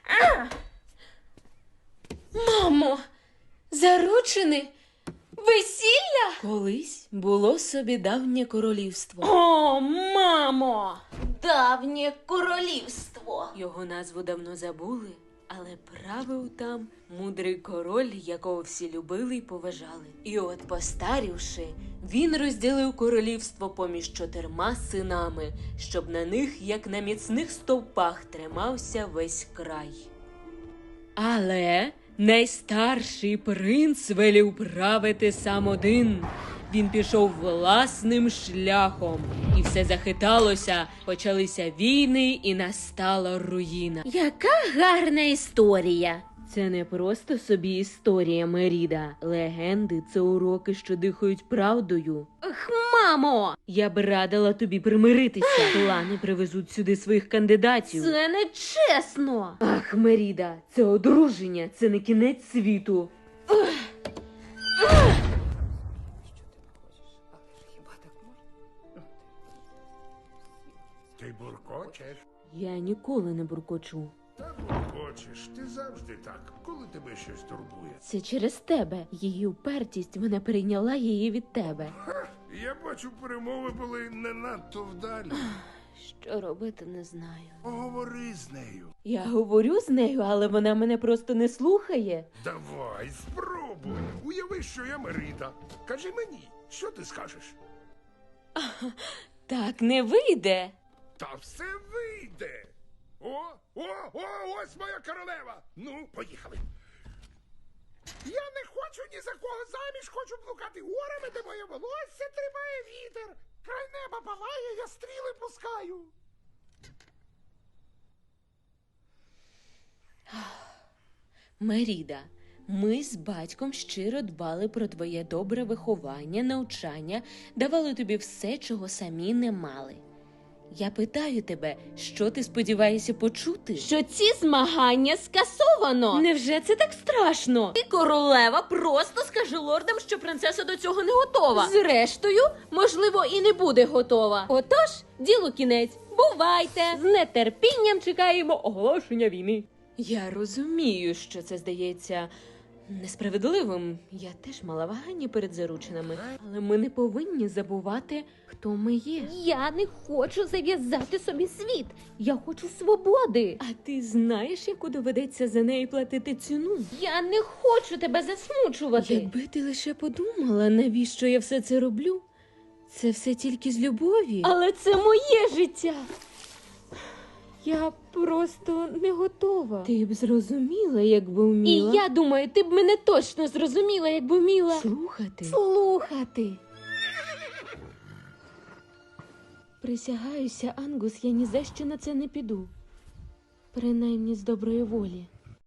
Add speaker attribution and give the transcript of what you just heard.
Speaker 1: Мамо, заручини? Весілля?
Speaker 2: Колись було собі давнє королівство.
Speaker 1: О, мамо! Давнє королівство.
Speaker 2: Його назву давно забули, але правив там мудрий король, якого всі любили й поважали. І от, постарівши, він розділив королівство поміж 4 синами, щоб на них, як на міцних стовпах, тримався весь край. Але найстарший принц велів правити сам один. Він пішов власним шляхом, і все захиталося, почалися війни і настала руїна.
Speaker 1: Яка гарна історія.
Speaker 2: Це не просто собі історія, Меріда. Легенди – це уроки, що дихають правдою.
Speaker 1: Ах, мамо!
Speaker 2: Я б радила тобі примиритися. Плани привезуть сюди своїх кандидатів.
Speaker 1: Це не чесно.
Speaker 2: Ах, Меріда, це одруження, це не кінець світу.
Speaker 3: Ти буркочеш?
Speaker 2: Я ніколи не буркочу.
Speaker 3: Та буркочеш. Ти завжди так, коли тебе щось турбує.
Speaker 2: Це через тебе. Її упертість, вона перейняла її від тебе.
Speaker 3: Я бачу, перемови були не надто вдалі.
Speaker 2: Що робити, не знаю.
Speaker 3: Поговори з нею.
Speaker 2: Я говорю з нею, але вона мене просто не слухає.
Speaker 3: Давай, спробуй. Уяви, що я Мерида. Кажи мені, що ти скажеш?
Speaker 2: Так не вийде.
Speaker 3: Та все вийде. Ось моя королева. Ну, поїхали. Я не хочу ні за кого заміж, хочу блукати горами, де моє волосся тримає вітер. Край неба палає, я стріли пускаю.
Speaker 2: Меріда, ми з батьком щиро дбали про твоє добре виховання, навчання, давали тобі все, чого самі не мали. Я питаю тебе, що ти сподіваєшся почути?
Speaker 1: Що ці змагання скасовано.
Speaker 2: Невже це так страшно?
Speaker 1: Ти, королева, просто скажи лордам, що принцеса до цього не готова. Зрештою, можливо, і не буде готова. Отож, ділу кінець. Бувайте! З нетерпінням чекаємо оголошення війни.
Speaker 2: Я розумію, що це здається несправедливим. Я теж мала вагання перед заручинами. Але ми не повинні забувати, хто ми є.
Speaker 1: Я не хочу зав'язати собі світ. Я хочу свободи.
Speaker 2: А ти знаєш, яку доведеться за неї платити ціну?
Speaker 1: Я не хочу тебе засмучувати.
Speaker 2: Якби ти лише подумала, навіщо я все це роблю? Це все тільки з любові.
Speaker 1: Але це моє життя.
Speaker 2: Я просто не готова. Ти б зрозуміла, якби вміла.
Speaker 1: І я думаю, ти б мене точно зрозуміла, якби вміла
Speaker 2: Слухати. Присягаюся, Ангус, я ні за що на це не піду. Принаймні з доброї волі.